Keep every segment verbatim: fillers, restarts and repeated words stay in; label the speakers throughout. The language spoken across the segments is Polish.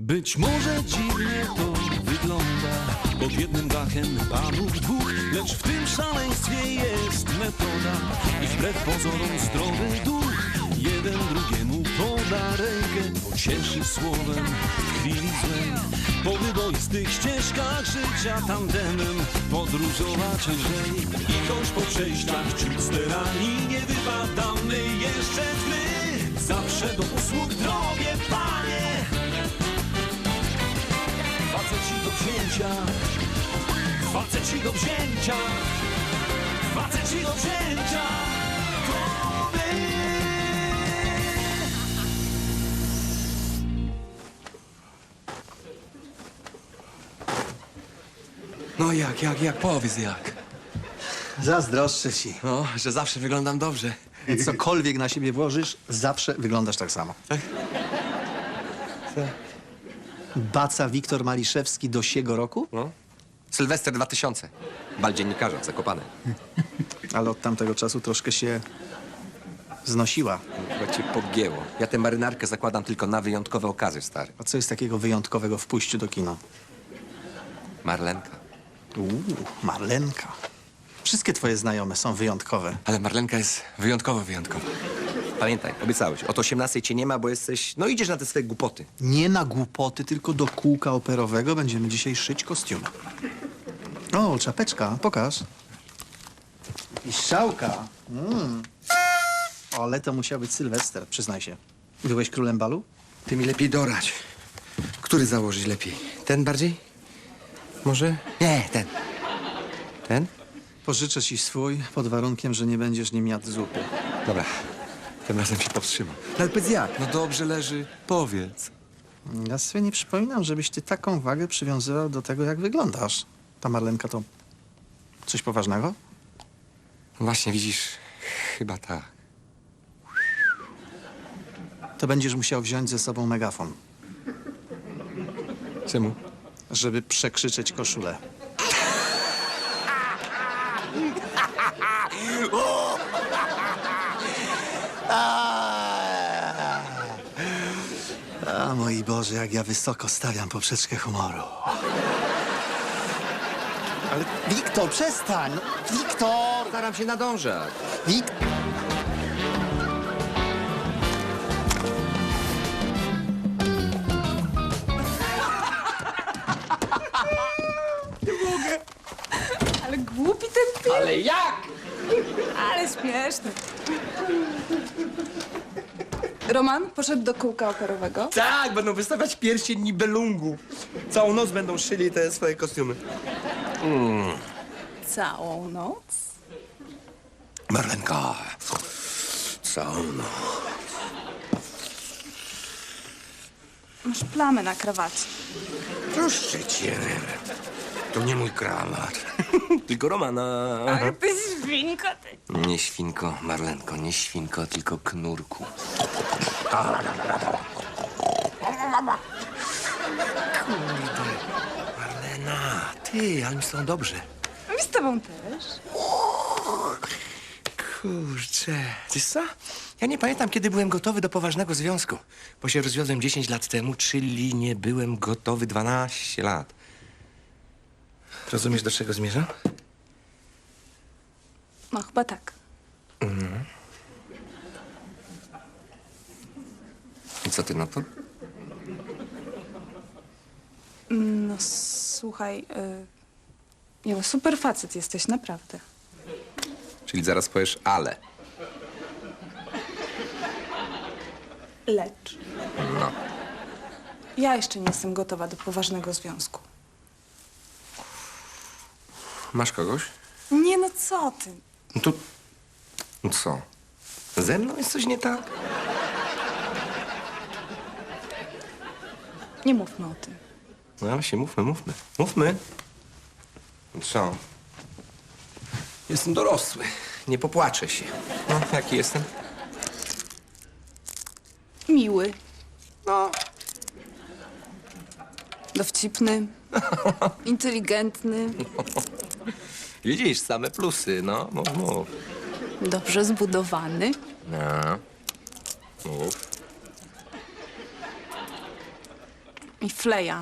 Speaker 1: Być może dziwnie to wygląda, pod jednym dachem panów dwóch, lecz w tym szaleństwie jest metoda i wbrew pozorom zdrowy duch. Jeden drugiemu poda rękę, pocieszy słowem w chwili złej. Po wyboistych ścieżkach życia tandemem podróżować lżej. I choć po przejściach czuć sterani nie wypadamy jeszcze w tmy, zawsze do usług drogie panie. Faceci do wzięcia, faceci do wzięcia, faceci do wzięcia, to my.
Speaker 2: No jak, jak, jak? Powiedz jak.
Speaker 3: Zazdroszczę ci.
Speaker 2: No, że zawsze wyglądam dobrze.
Speaker 3: Cokolwiek na siebie włożysz, zawsze wyglądasz tak samo.
Speaker 2: Tak?
Speaker 3: Baca Wiktor Maliszewski do siego roku?
Speaker 2: No. Sylwester dwa tysiące. Bal dziennikarza, Zakopane.
Speaker 3: Ale od tamtego czasu troszkę się znosiła.
Speaker 2: Chyba cię pogięło. Ja tę marynarkę zakładam tylko na wyjątkowe okazy, stary.
Speaker 3: A co jest takiego wyjątkowego w pójściu do kina?
Speaker 2: Marlenka.
Speaker 3: Uuu, Marlenka. Wszystkie twoje znajome są wyjątkowe.
Speaker 2: Ale Marlenka jest wyjątkowo wyjątkowa. Pamiętaj, obiecałeś. Od osiemnastej cię nie ma, bo jesteś... No idziesz na te swoje głupoty.
Speaker 3: Nie na głupoty, tylko do kółka operowego będziemy dzisiaj szyć kostiumy. O, czapeczka, pokaż. I strzałka. Mm. Ale to musiał być Sylwester, przyznaj się. Byłeś królem balu?
Speaker 2: Ty mi lepiej dorać. Który założyć lepiej? Ten bardziej? Może? Nie, ten. Ten?
Speaker 3: Pożyczę ci swój, pod warunkiem, że nie będziesz nim jadł zupy.
Speaker 2: Dobra. Tym razem się powstrzymam. No ale powiedz jak? No dobrze leży. Powiedz.
Speaker 3: Ja sobie nie przypominam, żebyś ty taką wagę przywiązywał do tego, jak wyglądasz. Ta Marlenka to coś poważnego?
Speaker 2: Właśnie, widzisz, chyba tak.
Speaker 3: To będziesz musiał wziąć ze sobą megafon,
Speaker 2: Czemu?
Speaker 3: żeby przekrzyczeć koszulę. A mój Boże, jak ja wysoko stawiam poprzeczkę humoru. Ale Wiktor, przestań! No, Wiktor!
Speaker 2: Staram się nadążać.
Speaker 3: Wik...
Speaker 4: Ale głupi ten film.
Speaker 2: Ale jak?
Speaker 4: Ale śmieszny. Roman poszedł do kółka operowego.
Speaker 2: Tak, będą wystawiać pierścień Nibelungu. Całą noc będą szyli te swoje kostiumy.
Speaker 4: Całą noc.
Speaker 2: Marlenka. Całą noc.
Speaker 4: Masz plamę na krawacie.
Speaker 2: Proszę cię. To nie mój krawat. Tylko Romana.
Speaker 4: Ale ty świnko, ty.
Speaker 2: Nie świnko, Marlenko, nie świnko, tylko knurku. Kurde, Marlena, ty, ale mi z tobą dobrze.
Speaker 4: I z tobą też.
Speaker 2: Kurczę, wiesz co? Ja nie pamiętam, kiedy byłem gotowy do poważnego związku. Bo się rozwiodłem dziesięć lat temu, czyli nie byłem gotowy dwanaście lat. Rozumiesz, do czego zmierzam?
Speaker 4: No chyba tak.
Speaker 2: I co ty na to?
Speaker 4: No słuchaj, y... Jo, super facet jesteś, naprawdę.
Speaker 2: Czyli zaraz powiesz ale.
Speaker 4: Lecz
Speaker 2: No.
Speaker 4: ja jeszcze nie jestem gotowa do poważnego związku.
Speaker 2: Masz kogoś?
Speaker 4: Nie no, co ty?
Speaker 2: No to... No co? Ze mną jest coś nie tak?
Speaker 4: Nie mówmy o tym.
Speaker 2: No właśnie, mówmy, mówmy. Mówmy. No co? Jestem dorosły. Nie popłaczę się. No, jaki jestem?
Speaker 4: Miły,
Speaker 2: No,
Speaker 4: dowcipny, inteligentny,
Speaker 2: widzisz, same plusy, no. Mów, mów.
Speaker 4: dobrze zbudowany.
Speaker 2: No. Mów.
Speaker 4: I fleja.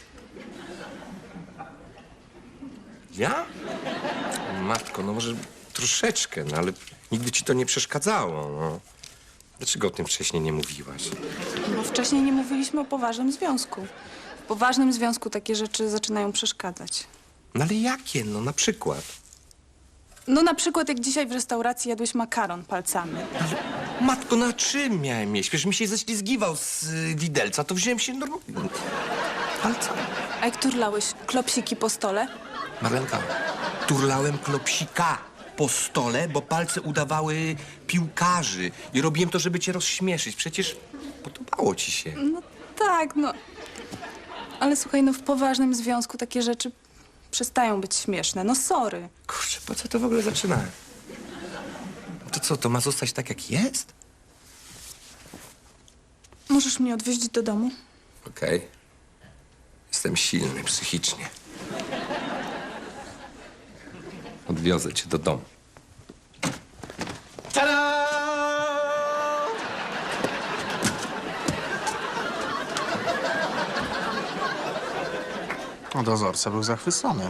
Speaker 2: Ja? Matko, no może troszeczkę, no ale nigdy ci to nie przeszkadzało, no. Dlaczego o tym wcześniej nie mówiłaś?
Speaker 4: Bo wcześniej nie mówiliśmy o poważnym związku. W poważnym związku takie rzeczy zaczynają przeszkadzać.
Speaker 2: No ale jakie, no na przykład?
Speaker 4: No na przykład jak dzisiaj w restauracji jadłeś makaron palcami.
Speaker 2: Matko, na czym miałem jeść? Przecież mi się ześlizgiwał z y, widelca, to wziąłem się normalnie. Palcami.
Speaker 4: A jak turlałeś klopsiki po stole?
Speaker 2: Marlenka, turlałem klopsika po stole, bo palce udawały piłkarzy. I robiłem to, żeby cię rozśmieszyć. Przecież podobało ci się.
Speaker 4: No tak, no. Ale słuchaj, no w poważnym związku takie rzeczy przestają być śmieszne. No sorry.
Speaker 2: Kurczę, po co to w ogóle zaczynałem? To co, to ma zostać tak, jak jest?
Speaker 4: Możesz mnie odwieźć do domu?
Speaker 2: Okej. Jestem silny psychicznie. Odwiozę cię do domu. Tada!
Speaker 3: No dozorca był zachwycony.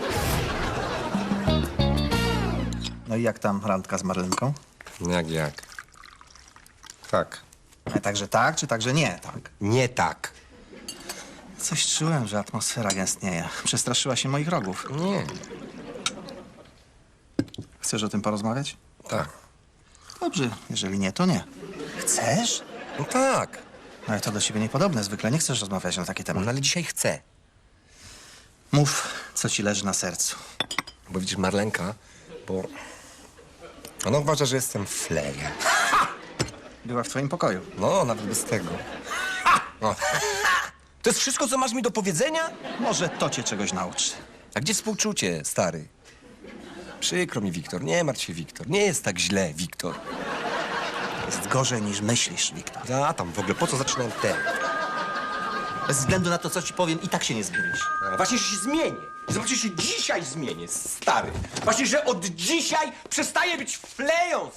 Speaker 3: No i jak tam randka z Marlenką?
Speaker 2: Jak, jak? Tak.
Speaker 3: A także tak, czy także nie, tak?
Speaker 2: Nie tak.
Speaker 3: Coś czułem, że atmosfera gęstnieje. Przestraszyła się moich rogów.
Speaker 2: Nie.
Speaker 3: Chcesz o tym porozmawiać?
Speaker 2: Tak.
Speaker 3: Dobrze, jeżeli nie, to nie. Chcesz?
Speaker 2: No tak.
Speaker 3: Ale to do ciebie niepodobne. Zwykle nie chcesz rozmawiać na taki temat.
Speaker 2: No ale dzisiaj chcę.
Speaker 3: Mów, co ci leży na sercu.
Speaker 2: Bo widzisz, Marlenka, bo ona uważa, że jestem flejem.
Speaker 3: Była w twoim pokoju.
Speaker 2: No, nawet bez tego. No. To jest wszystko, co masz mi do powiedzenia?
Speaker 3: Może to cię czegoś nauczy.
Speaker 2: A gdzie współczucie, stary? Przykro mi, Wiktor. Nie martw się, Wiktor. Nie jest tak źle, Wiktor.
Speaker 3: Jest gorzej niż myślisz, Wiktor.
Speaker 2: A tam w ogóle, po co zaczynałem ten?
Speaker 3: Bez względu na to, co ci powiem, i tak się nie zmienisz.
Speaker 2: A, Właśnie, że się zmienię. Zobaczcie, się dzisiaj zmienię, stary. Właśnie, że od dzisiaj przestaję być fleją.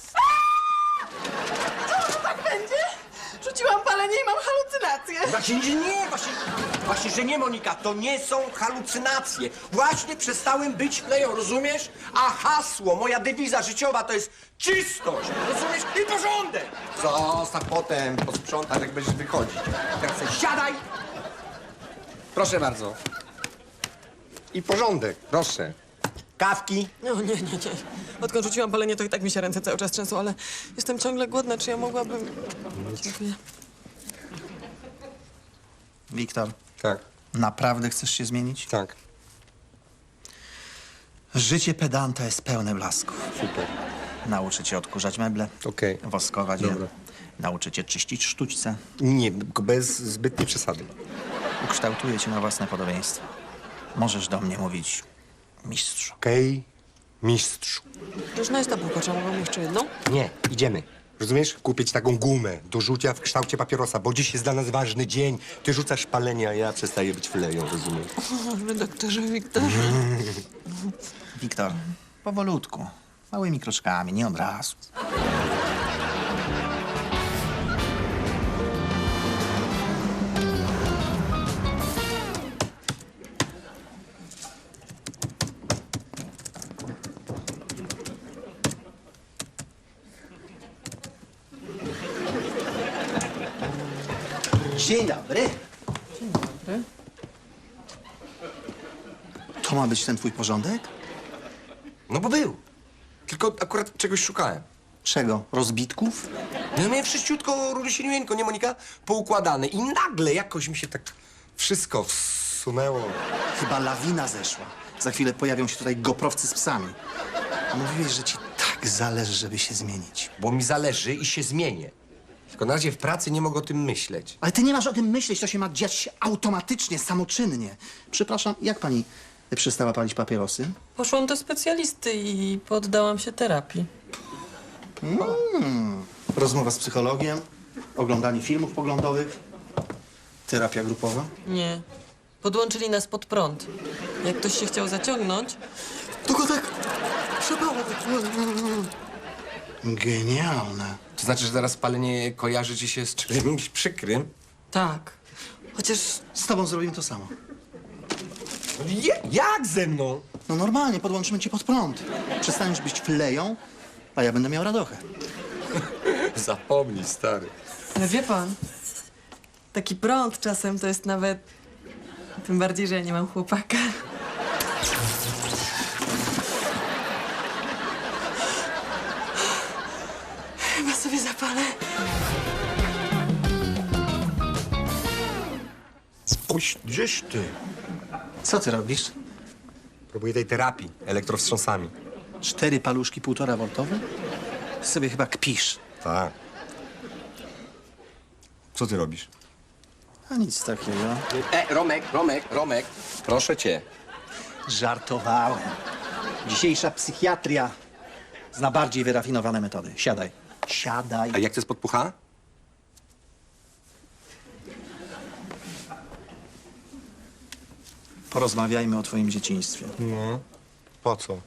Speaker 5: Tak będzie? Rzuciłam palenie i mam halucynacje.
Speaker 2: Właśnie, że nie, właśnie, właśnie, że nie, Monika, to nie są halucynacje. Właśnie przestałem być fleją, rozumiesz? A hasło, moja dewiza życiowa to jest czystość, rozumiesz? I porządek. Zostaw potem, posprzątasz, jak będziesz wychodzić. Teraz sobie siadaj. Proszę bardzo. I porządek, proszę. Kawki.
Speaker 5: No nie, nie, nie. Odkąd rzuciłam palenie, to i tak mi się ręce cały czas trzęsą, ale jestem ciągle głodna. Czy ja mogłabym... Dziękuję.
Speaker 3: Wiktor,
Speaker 2: Tak,
Speaker 3: naprawdę chcesz się zmienić?
Speaker 2: tak.
Speaker 3: Życie pedanta jest pełne blasków.
Speaker 2: Super.
Speaker 3: Nauczy cię odkurzać meble,
Speaker 2: Okej.
Speaker 3: woskować
Speaker 2: Dobra.
Speaker 3: je. Nauczy cię czyścić sztućce.
Speaker 2: Nie, tylko bez zbytniej przesady.
Speaker 3: Ukształtuje cię na własne podobieństwo. Możesz do mnie mówić mistrzu.
Speaker 2: Okej, mistrzu.
Speaker 5: Różna jest ta bułka, czy ja mogłam jeszcze jedną?
Speaker 2: Nie, idziemy. Rozumiesz? Kupić taką gumę do rzucia w kształcie papierosa, bo dziś jest dla nas ważny dzień. Ty rzucasz palenie, a ja przestaję być fleją, rozumiesz?
Speaker 5: O, redaktorze Wiktorze.
Speaker 3: Wiktor, powolutku, małymi kroczkami, nie od razu. Dzień dobry. Dzień dobry. To ma być ten twój porządek?
Speaker 2: No bo był. Tylko akurat czegoś szukałem.
Speaker 3: Czego? Rozbitków?
Speaker 2: No ja miałem wszyściutko, rulisienieńko, nie Monika? Poukładane. I nagle jakoś mi się tak wszystko wsunęło.
Speaker 3: Chyba lawina zeszła. Za chwilę pojawią się tutaj goprowcy z psami. Mówiłeś, że ci tak zależy, żeby się zmienić.
Speaker 2: Bo mi zależy i się zmienię. Tylko na razie w pracy nie mogę o tym myśleć.
Speaker 3: Ale ty nie masz o tym myśleć, to się ma dziać się automatycznie, samoczynnie. Przepraszam, jak pani przestała palić papierosy?
Speaker 5: Poszłam do specjalisty i poddałam się terapii.
Speaker 3: Rozmowa z psychologiem, oglądanie filmów poglądowych, terapia grupowa.
Speaker 5: Nie. Podłączyli nas pod prąd. Jak ktoś się chciał zaciągnąć, to go tak przepało.
Speaker 3: Genialne.
Speaker 2: To znaczy, że zaraz palenie kojarzy ci się z czymś przykrym?
Speaker 5: Tak. Chociaż
Speaker 3: Z tobą zrobimy to samo.
Speaker 2: Je, jak ze mną?
Speaker 3: No normalnie, podłączymy cię pod prąd. Przestaniesz być fleją, a ja będę miał radochę.
Speaker 2: Zapomnij, stary.
Speaker 5: Ale wie pan, taki prąd czasem to jest nawet... Tym bardziej, że ja nie mam chłopaka. Chyba sobie zapalę.
Speaker 2: Oś, gdzieś ty?
Speaker 3: Co ty robisz?
Speaker 2: Próbuję tej terapii elektrowstrząsami.
Speaker 3: Cztery paluszki półtora woltowe? Sobie chyba kpisz.
Speaker 2: Tak. Co ty robisz?
Speaker 3: A nic takiego.
Speaker 2: E, Romek, Romek, Romek, proszę cię.
Speaker 3: Żartowałem. Dzisiejsza psychiatria zna bardziej wyrafinowane metody. Siadaj. Siadaj.
Speaker 2: A jak to jest podpucha?
Speaker 3: Porozmawiajmy o twoim dzieciństwie.
Speaker 2: No. Po co?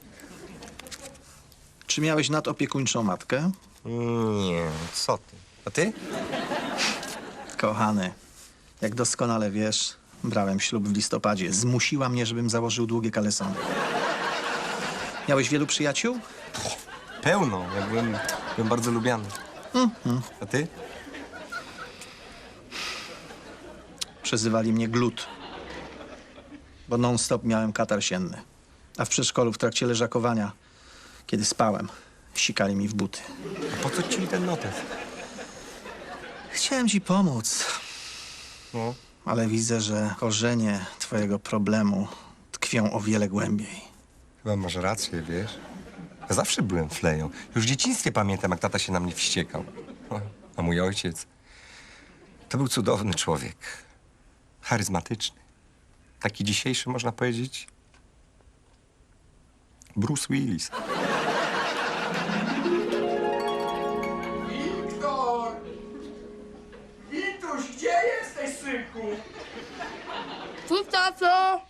Speaker 3: Czy miałeś nadopiekuńczą matkę?
Speaker 2: Nie, co ty? A ty?
Speaker 3: Kochany, jak doskonale wiesz, brałem ślub w listopadzie. Zmusiła mnie, żebym założył długie kalesony. Miałeś wielu przyjaciół?
Speaker 2: Pełno. Ja byłem, byłem bardzo lubiany. A ty?
Speaker 3: Przezywali mnie glut, bo non-stop miałem katar sienny. A w przedszkolu w trakcie leżakowania, kiedy spałem, sikali mi w buty.
Speaker 2: A po co ci ten notes?
Speaker 3: Chciałem ci pomóc,
Speaker 2: No.
Speaker 3: ale widzę, że korzenie twojego problemu tkwią o wiele głębiej.
Speaker 2: Chyba masz rację, wiesz? Ja zawsze byłem fleją. Już w dzieciństwie pamiętam, jak tata się na mnie wściekał. A mój ojciec to był cudowny człowiek. Charyzmatyczny. Taki dzisiejszy, można powiedzieć, Bruce Willis. Wiktor! Wituś, gdzie jesteś, synku?
Speaker 6: Tu, tato!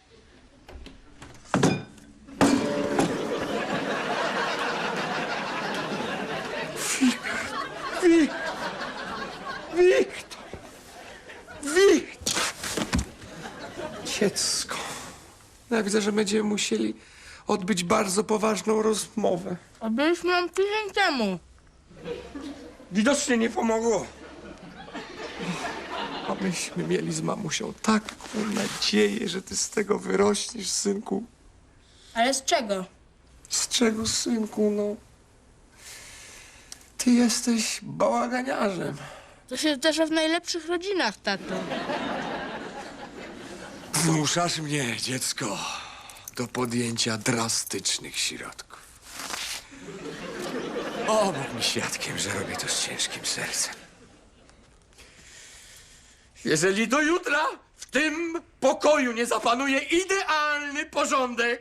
Speaker 2: Wik... Wiktor! Wiktor! Dziecko.
Speaker 7: Ja widzę, że będziemy musieli odbyć bardzo poważną rozmowę.
Speaker 6: A byliśmy ją tydzień temu.
Speaker 7: Widocznie nie pomogło. A myśmy mieli z mamusią taką nadzieję, że ty z tego wyrośniesz, synku.
Speaker 6: Ale z czego?
Speaker 7: Z czego, synku, no? Ty jesteś bałaganiarzem.
Speaker 6: To się zdarza w najlepszych rodzinach, tato.
Speaker 7: Zmuszasz mnie, dziecko, do podjęcia drastycznych środków. O, Bóg mi świadkiem, że robię to z ciężkim sercem. Jeżeli do jutra w tym pokoju nie zapanuje idealny porządek,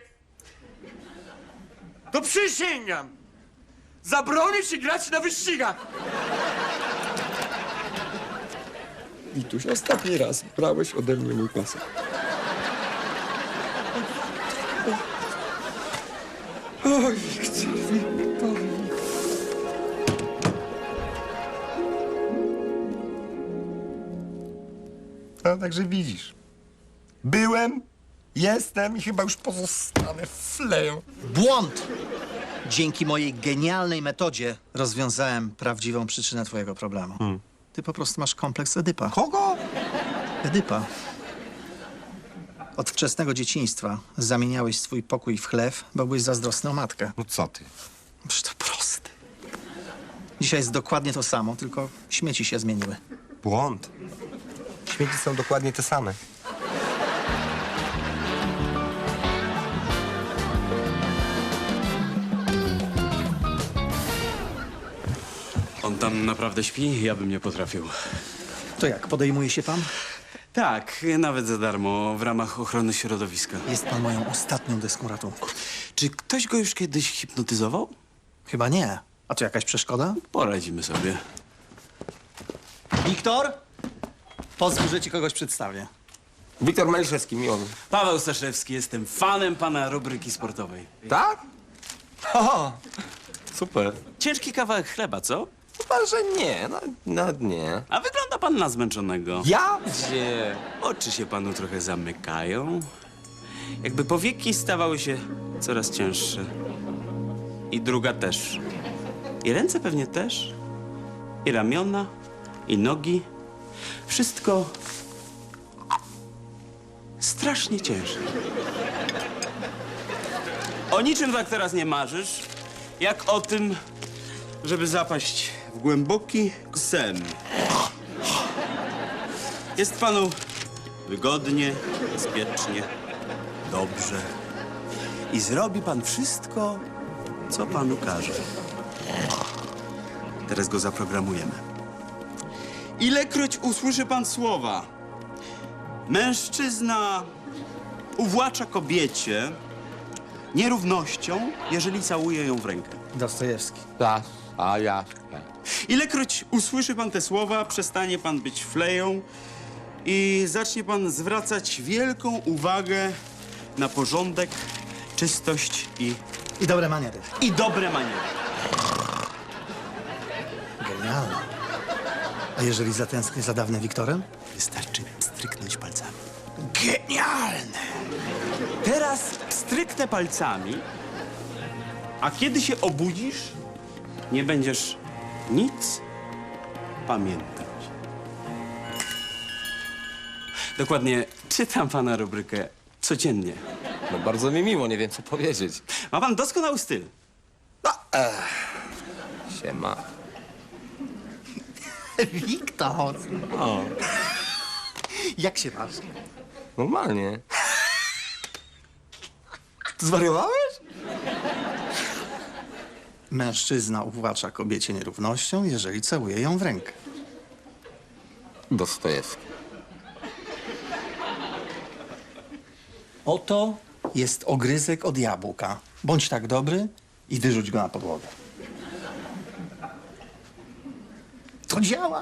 Speaker 7: to przysięgam, zabronię ci grać na wyścigach. Wituś, ostatni raz brałeś ode mnie mój pasek. Oj, Wiktor, Wiktor.
Speaker 2: No, także widzisz. Byłem, jestem i chyba już pozostanę fleją.
Speaker 3: Błąd! Dzięki mojej genialnej metodzie rozwiązałem prawdziwą przyczynę twojego problemu. Ty po prostu masz kompleks Edypa.
Speaker 2: Kogo?
Speaker 3: Edypa. Od wczesnego dzieciństwa zamieniałeś swój pokój w chlew, bo byłeś zazdrosny o matkę.
Speaker 2: No co ty?
Speaker 3: Przecież to proste. Dzisiaj jest dokładnie to samo, tylko śmieci się zmieniły.
Speaker 2: Błąd. Śmieci są dokładnie te same.
Speaker 8: On tam naprawdę śpi? Ja bym nie potrafił.
Speaker 3: To jak, podejmuje się pan?
Speaker 8: Tak, nawet za darmo, w ramach ochrony środowiska.
Speaker 3: Jest pan moją ostatnią deską ratunku.
Speaker 8: Czy ktoś go już kiedyś hipnotyzował?
Speaker 3: Chyba nie. A to jakaś przeszkoda?
Speaker 8: Poradzimy sobie.
Speaker 3: Wiktor? Pozwól, że ci kogoś przedstawię.
Speaker 2: Wiktor Maliszewski, miło mi.
Speaker 8: Paweł Staszewski, jestem fanem pana rubryki sportowej.
Speaker 2: Tak? O, super.
Speaker 8: Ciężki kawałek chleba, co?
Speaker 2: Chyba, że nie, no, no nie.
Speaker 8: A wygląda Wygląda pan na zmęczonego.
Speaker 2: Ja?
Speaker 8: Gdzie? Oczy się panu trochę zamykają. Jakby powieki stawały się coraz cięższe. I druga też. I ręce pewnie też. I ramiona. I nogi. Wszystko strasznie ciężkie. O niczym tak teraz nie marzysz, jak o tym, żeby zapaść w głęboki sen. Jest panu wygodnie, bezpiecznie, dobrze. I zrobi pan wszystko, co panu każe. Teraz go zaprogramujemy. Ilekroć usłyszy pan słowa mężczyzna uwłacza kobiecie nierównością, jeżeli całuje ją w rękę.
Speaker 3: Dostojewski.
Speaker 2: Tak, a ja.
Speaker 8: Ilekroć usłyszy pan te słowa, przestanie pan być fleją i zacznie pan zwracać wielką uwagę na porządek, czystość i,
Speaker 3: I dobre maniery.
Speaker 8: i dobre maniery.
Speaker 3: Genialne. A jeżeli zatęsknię za dawnym Wiktorem?
Speaker 8: Wystarczy stryknąć palcami. Genialne! Teraz stryknę palcami, a kiedy się obudzisz, nie będziesz nic pamiętać. Dokładnie czytam pana rubrykę codziennie.
Speaker 2: No bardzo mi miło, nie wiem co powiedzieć.
Speaker 8: Ma pan doskonały styl.
Speaker 2: Siema.
Speaker 3: Wiktor!
Speaker 2: O,
Speaker 3: Jak się masz?
Speaker 2: normalnie.
Speaker 3: Zwariowałeś? Mężczyzna uwłacza kobiecie nierównością, jeżeli całuje ją w rękę.
Speaker 2: Dostojewski.
Speaker 3: Oto jest ogryzek od jabłka. Bądź tak dobry i wyrzuć go na podłogę. To działa.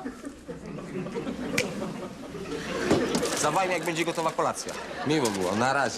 Speaker 2: Zawajmy, jak będzie gotowa kolacja. Miło było, na razie.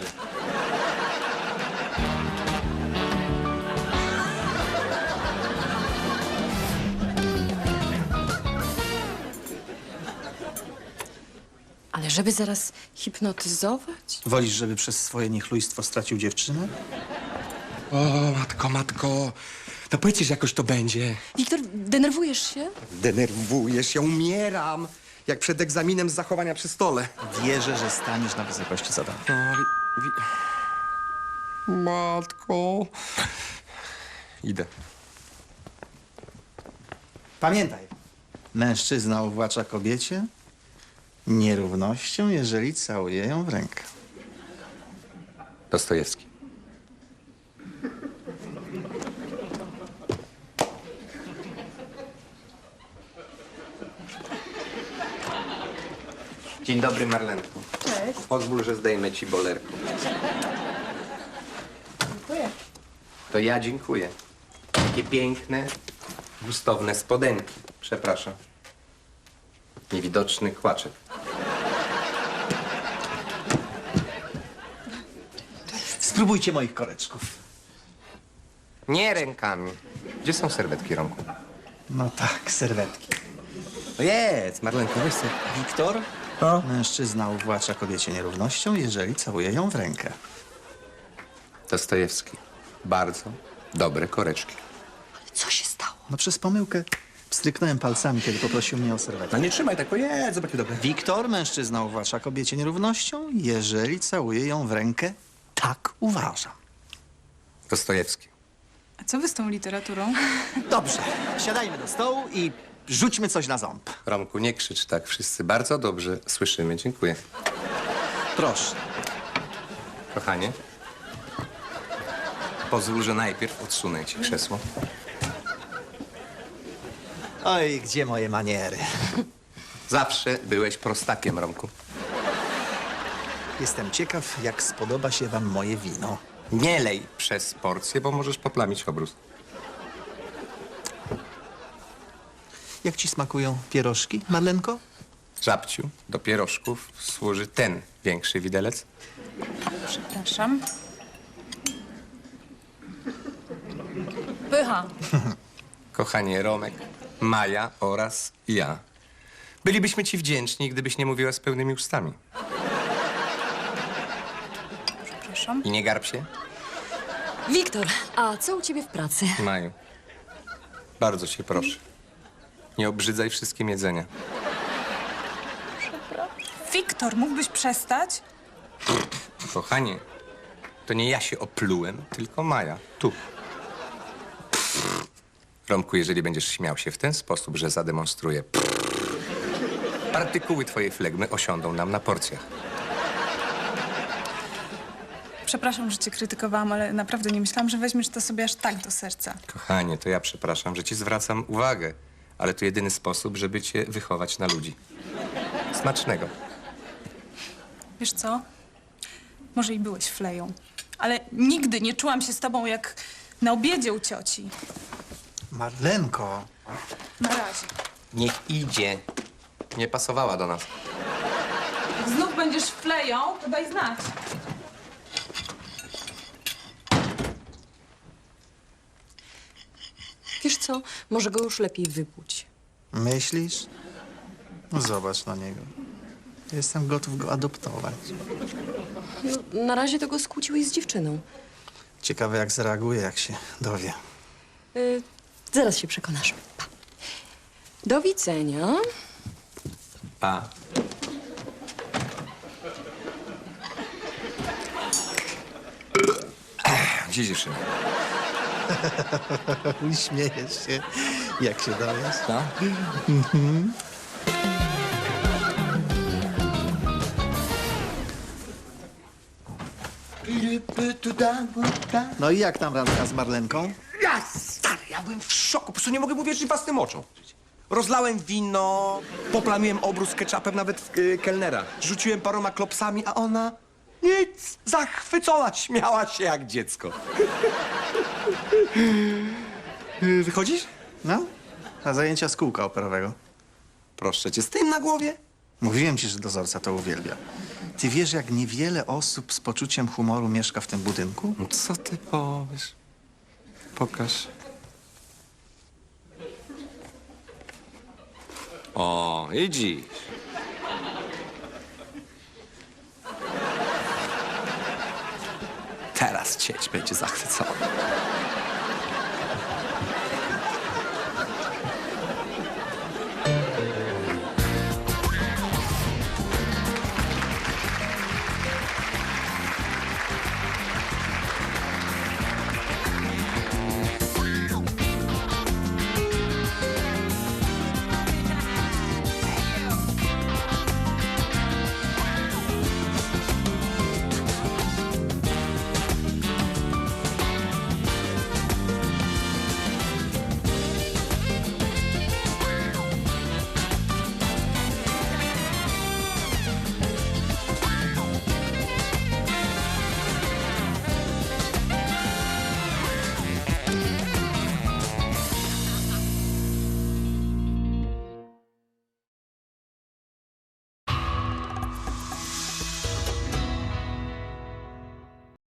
Speaker 5: Ale żeby zaraz hipnotyzować?
Speaker 3: Wolisz, żeby przez swoje niechlujstwo stracił dziewczynę?
Speaker 2: O, matko, matko. No powiedzcie, że jakoś to będzie.
Speaker 4: Wiktor, denerwujesz się?
Speaker 2: Denerwujesz, ja umieram. Jak przed egzaminem z zachowania przy stole.
Speaker 3: Wierzę, że staniesz na wysokości zadania.
Speaker 2: No, wi- wi- Matko. Idę.
Speaker 3: Pamiętaj, mężczyzna uwłacza kobiecie nierównością, jeżeli całuje ją w rękę.
Speaker 2: Dostojewski. Dzień dobry, Marlenko.
Speaker 6: Cześć.
Speaker 2: Pozwól, że zdejmę ci bolerko.
Speaker 6: Dziękuję.
Speaker 2: To ja dziękuję. Takie piękne, gustowne spodenki. Przepraszam. Niewidoczny kłaczek.
Speaker 3: Spróbujcie moich koreczków.
Speaker 2: Nie rękami. Gdzie są serwetki, Romku?
Speaker 3: No tak, serwetki.
Speaker 2: No jest, Marlenko, weź sobie.
Speaker 3: Wiktor? Mężczyzna uwłacza kobiecie nierównością, jeżeli całuje ją w rękę.
Speaker 2: Dostojewski. Bardzo dobre koreczki.
Speaker 5: Co się stało?
Speaker 3: No przez pomyłkę stryknąłem palcami, kiedy poprosił mnie o serwetkę.
Speaker 2: No nie trzymaj tak, jest, zobacz, dobre.
Speaker 3: Wiktor, mężczyzna uwłacza kobiecie nierównością, jeżeli całuje ją w rękę. Tak uważam.
Speaker 2: Dostojewski.
Speaker 4: A co wy z tą literaturą?
Speaker 3: Dobrze, siadajmy do stołu i rzućmy coś na ząb.
Speaker 2: Romku, nie krzycz tak. Wszyscy bardzo dobrze słyszymy. Dziękuję.
Speaker 3: Proszę.
Speaker 2: Kochanie, pozwól, że najpierw odsunę ci krzesło.
Speaker 3: Oj, gdzie moje maniery?
Speaker 2: Zawsze byłeś prostakiem, Romku.
Speaker 3: Jestem ciekaw, jak spodoba się wam moje wino.
Speaker 2: Nie lej przez porcję, bo możesz poplamić obrus.
Speaker 3: Jak ci smakują pierożki, Marlenko?
Speaker 2: Żabciu, do pierożków służy ten większy widelec.
Speaker 4: Przepraszam. Pycha.
Speaker 2: Kochanie, Romek, Maja oraz ja
Speaker 9: Bylibyśmy ci wdzięczni, gdybyś nie mówiła z pełnymi ustami.
Speaker 4: Przepraszam.
Speaker 9: I nie garb się,
Speaker 10: Wiktor, a co u ciebie w pracy?
Speaker 9: Maju. Bardzo cię proszę. Nie obrzydzaj wszystkim jedzenia.
Speaker 4: Wiktor, mógłbyś przestać?
Speaker 9: Kochanie, to nie ja się oplułem, tylko Maja. Tu. Romku, jeżeli będziesz śmiał się w ten sposób, że zademonstruję, partykuły twojej flegmy osiądą nam na porcjach.
Speaker 4: Przepraszam, że cię krytykowałam, ale naprawdę nie myślałam, że weźmiesz to sobie aż tak do serca.
Speaker 9: Kochanie, to ja przepraszam, że ci zwracam uwagę, ale to jedyny sposób, żeby cię wychować na ludzi. Smacznego.
Speaker 4: Wiesz co? Może i byłeś fleją, ale nigdy nie czułam się z tobą jak na obiedzie u cioci.
Speaker 3: Marlenko.
Speaker 4: Na razie.
Speaker 9: Niech idzie. Nie pasowała do nas.
Speaker 4: Jak znów będziesz fleją, to daj znać.
Speaker 10: Wiesz co, może go już lepiej wypuść.
Speaker 3: Myślisz? No zobacz na niego. Jestem gotów go adoptować.
Speaker 10: No, na razie to go skłóciłeś z dziewczyną.
Speaker 3: Ciekawe, jak zareaguje, jak się dowie.
Speaker 10: Y, zaraz się przekonasz. Pa. Do widzenia.
Speaker 9: Pa. Gdzie dziewczyna?
Speaker 3: Śmiejesz się, jak się dowiesz.
Speaker 9: No?
Speaker 3: No i jak tam randka z Marlenką?
Speaker 2: Ja, stary, ja byłem w szoku. Po prostu nie mogę uwierzyć własnym oczom. Rozlałem wino, poplamiłem obrus ketchupem nawet y, kelnera. Rzuciłem paroma klopsami, a ona nic, zachwycona, śmiała się jak dziecko. Y, Wychodzisz?
Speaker 3: No, na zajęcia z kółka operowego.
Speaker 2: Proszę cię, z tym na głowie?
Speaker 3: Mówiłem ci, że dozorca to uwielbia. Ty wiesz, jak niewiele osób z poczuciem humoru mieszka w tym budynku?
Speaker 9: No co ty powiesz? Pokaż. O, idziesz.
Speaker 2: Teraz cieć będzie zachwycona.